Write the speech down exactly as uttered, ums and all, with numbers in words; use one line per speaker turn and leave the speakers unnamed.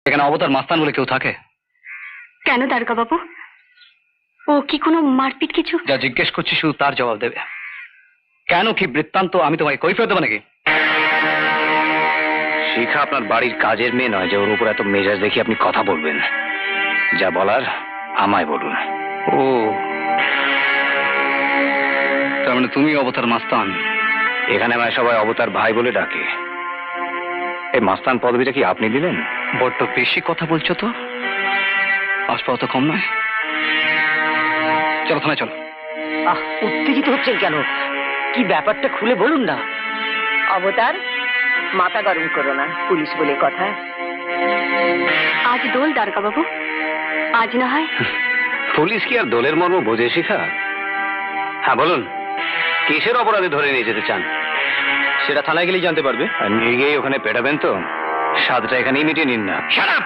এখানে অবতার মাস্তান বলে কেউ থাকে?
কেন দারোগা বাবু, ও কি কোনো মারপিট কিছু?
যা জিজ্ঞেস করছি শুধু তার জবাব দেবে। কেন, কি বৃত্তান্ত আমি তোমায় কৈফিয়ত দেবো নাকি? শিখা আপনার বাড়ির কাজের মেয়ে নয় যে ওর উপর এত মেজাজ দেখি আপনি কথা বলবেন। যা বলার আমায় বলুন। ও, তার মানে তুমি অবতার মাস্তান? এখানে আমায় সবাই অবতার ভাই বলে ডাকে। এই মাস্তান পদবিটা কি আপনি দিলেন? বড্ড বেশি কথা বলছো তো, আসপাও তো কম নয়। চলো থানায় চলো।
আহ, উত্তেজিত হচ্ছেন কেন? কি ব্যাপারটা খুলে বলুন না।
অবতার, মাথা গরম করো না, পুলিশ বলে কথা।
আজ দোল দারোগা বাবু, আজ না হয়।
পুলিশ কি আর দলের মর্ম বোঝে শিখা? হ্যাঁ বলুন, কিসের অপরাধে ধরে নিয়ে যেতে চান? সেটা থানায় গেলেই জানতে পারবে। আর নিয়ে গিয়ে ওখানে পেটাবেন তো, স্বাদটা এখানেই মিটিয়ে নিন না।